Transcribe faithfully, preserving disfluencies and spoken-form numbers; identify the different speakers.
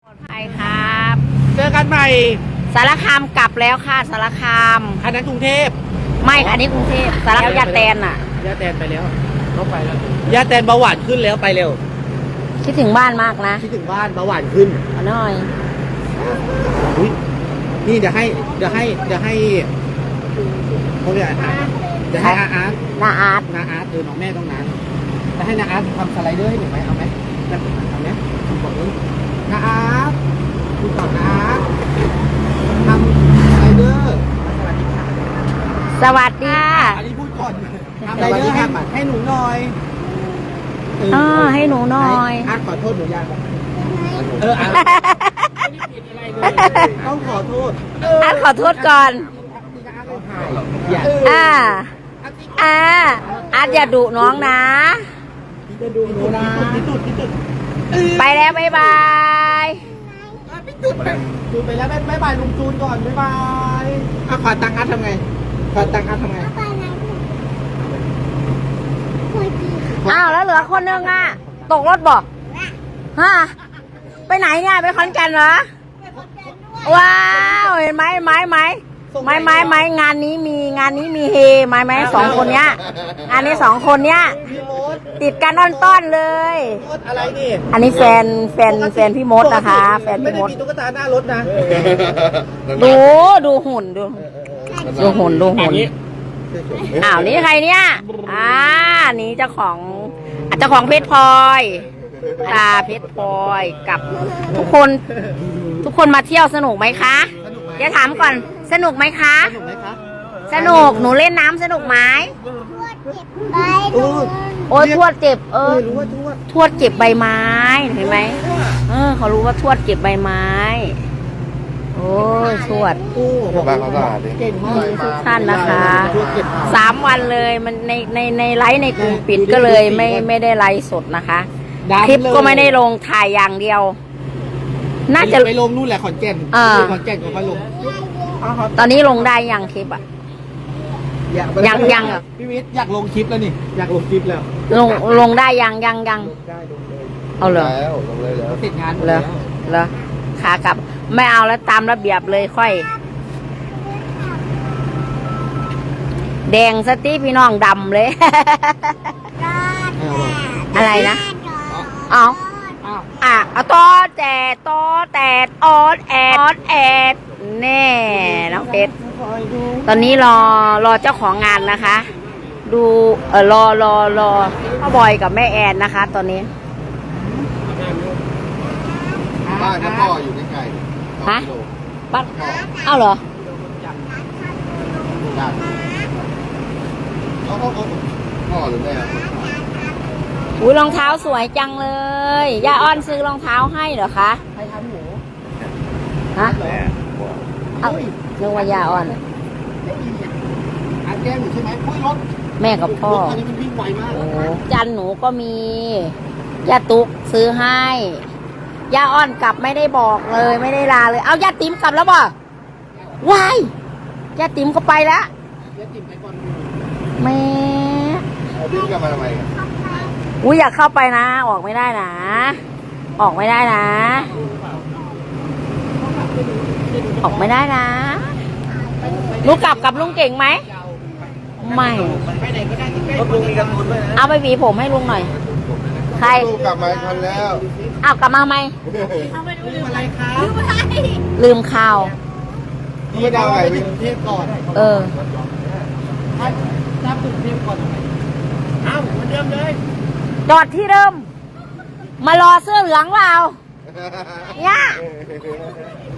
Speaker 1: ปลอดภัยครับ
Speaker 2: เจอกันใหม่
Speaker 1: สารคามกลับแล้วค่ะสารคาม
Speaker 2: คันนั้นกรุงเทพ
Speaker 1: ไม่ค่ะนี่กรุงเทพสารคามยาแตนอ่ะ
Speaker 2: ย่าแตนไปแล้วเขาไปแล้วย่าแตนเบาหวานขึ้นแล้วไปเร็ว
Speaker 1: คิดถึงบ้านมากนะ
Speaker 2: คิดถึงบ้านเบาหวานขึ้น
Speaker 1: เอาหน่อย
Speaker 2: อุ๊ยนี่เดี๋ยวให้เดี๋ยวให้เดี๋ยวให้เขาเรียกอะไรนะเดี๋ยวให้อาอาร์ต
Speaker 1: นาอาร์ต
Speaker 2: นาอาร์ตเออน้องแม่ต้องนั้นจะให้นาอาร์ตทำสไลเดอร์ให้หนูไหมเอาไหมเอาไหมบอกเลยนาอาร์ตดูก่อนนาอาร์ตทำสไลเดอร์
Speaker 1: สวัสดีค่ะ
Speaker 2: อันนี้พูดก่อนทำสไลเดอร์ให้ให้หนูหน่อย
Speaker 1: เออให้หนูหน่อย
Speaker 2: อาร์ตขอโทษหนูยังเอออาร์ตต้องขอโทษ
Speaker 1: อาร์ตขอโทษก่อนอ่าอ่าอาร์ตอย่าดุน้องนะ
Speaker 2: จะดูหนูนะที่สุดที่สุด
Speaker 1: ไปแล้วบ๊ายบาย
Speaker 2: พี่จุดไปจุดไปแล้วบ๊ายบายลุงจูนก่อนบ๊ายบายอ่ะขอตังค์อาร์ตทำไงขอตังค์อาร์ตทำไง
Speaker 1: อ้าวแล้วเหลือคนนึงอ่ะตกรถบอกฮะไปไหนเนี่ยไปขอนแก่นเหรอว้าวเห็นไหมไหมไหมไหมไหมไหมงานนี้มีงานนี้มีเฮไหมไหมสองคนเนี้ยงานนี้สองคนเนี้ย
Speaker 2: พี่มด
Speaker 1: ติดกันต้อนๆเลย
Speaker 2: มดอะไรนี่
Speaker 1: อันนี้แฟนแฟนแฟนพี่มดนะคะ แฟน
Speaker 2: ไม่
Speaker 1: พี่
Speaker 2: ได้
Speaker 1: มด
Speaker 2: มีตุ๊กตาหน้ารถนะ
Speaker 1: ดูดูหุ่นดูดูหุ่นดูหุ่นอ้าวนี่ใครเนี่ยอ่านี่เจ้าของอ่ะเจ้าของเพชรพลอยตาเพชรพลอยกับทุกคนทุกคนมาเที่ยวสนุกไหมคะเดี๋ยวถามก่อนสนุกไหมคะ
Speaker 2: สนุกไหมคะ
Speaker 1: สนุกหนูเล่นน้ำสนุกไหม
Speaker 2: โอ้
Speaker 1: โอ้ยทวดเจ็บเอ
Speaker 2: เอ
Speaker 1: อ
Speaker 2: อรู้ว่าทวด
Speaker 1: ทวดเก็บใบไม้เห็นไหมเออเขารู้ว่าทวดเก็บใบไม้ โอ้ยทวด
Speaker 2: โอ้
Speaker 3: บ้านเขาสะอาดดิ
Speaker 2: เก่งมาก
Speaker 1: ทุกท่านนะคะ
Speaker 2: ทวดเก่งมาก
Speaker 1: สามวันเลยมันในในในไลฟ์ในกลุ่มปิดก็เลยไม่ไม่ได้ไลฟ์สดนะคะ คลิปก็ไม่ได้ลงถ่ายอย่างเดียว น่าจะ
Speaker 2: ไปลงนู่นแหละขอนแก่น
Speaker 1: อ่า
Speaker 2: ขอนแก่นก็ค่อยลง
Speaker 1: ตอนนี้ลงได้ยังคลิปอะ
Speaker 2: อยาก
Speaker 1: ยังยังเหรอ
Speaker 2: พี่วิทย์อยากลงคลิปแล้วนี่อยากลงคลิปแล้ว
Speaker 1: ลงลงได้ยังยังยัง
Speaker 2: ลงได้ลงเลย
Speaker 1: เอาเลย
Speaker 3: แล้วลงเลยแล้ว
Speaker 2: เสร็จงานหมด
Speaker 1: เหร
Speaker 2: แล้
Speaker 1: อ
Speaker 2: ว
Speaker 1: เหรอขากลับไม่เอาแล้วตามระเบียบเลยค่อย แดงสติพี่น้องดำเลย อะไรนะเอา
Speaker 2: อ้าว
Speaker 1: อ่ะเอาตอแต่ตอแต่ออดแอดออดแอดแน่น้องเพชรตอนนี้รอรอเจ้าของงานนะคะ ดูเออรอรอรอพ่อบอยกับแม่แอนนะคะ ตอนนี้
Speaker 3: บ้านพ่ออยู่ใกล้ๆ
Speaker 1: ฮะ บ้านเอ้าเหรอ
Speaker 3: บ้านเอาเอาเอาพ่อหรือแม่
Speaker 1: อุ้ยรองเท้าสวยจังเลยย่าอ้อนซื้อรองเท้าให้เหรอคะ
Speaker 2: ใครทำหนู
Speaker 1: ฮะเอ้านึกว่าย่าอ้อน
Speaker 2: อันแก้มหนูใช่ไหมอุ้ยรถ
Speaker 1: แม่กับพ่อ
Speaker 2: รถอันนี้มันวิ่งไวมาก
Speaker 1: โอ้จันหนูก็มีย่าตุ๊กซื้อให้ย่าอ้อนกลับไม่ได้บอกเลยไม่ได้ลาเลย เอาย่าติ๋มกลับแล้วบ่วายย่าติ๋มก็ไปแล้ว
Speaker 2: เดี๋ยวติ่มไปก่อน
Speaker 1: แม่
Speaker 3: เอาพี่กลับมาทำไมกัน
Speaker 1: อุ้ยอยากเข้าไปนะ ออกไม่ได้นะ ออกไม่ได้นะ ออกไม่ได้นะลูกกลับกับลุงเก่งไหมไม่
Speaker 2: ไปไหนก็ได้ที่ใกล้รถลุงมีกระสุนด้วยนะ
Speaker 1: เอาไปหวีผมให้ลุงหน่อย ใคร
Speaker 3: ลูกกลับมาทันแล้ว
Speaker 1: อ้าวกลับมาไหม
Speaker 2: ลืมอะไรครับ
Speaker 1: ลืมข่าว
Speaker 2: ดีดาวไปถึงกรุงเทพก่อน
Speaker 1: เออ
Speaker 2: ถ้าถ้าถึงกรุงเทพก่อนทำไมอ้าวเหมือนเดิมเลย
Speaker 1: จอดที่เดิม มารอเสื้อเหลืองเปล่าเนี่ย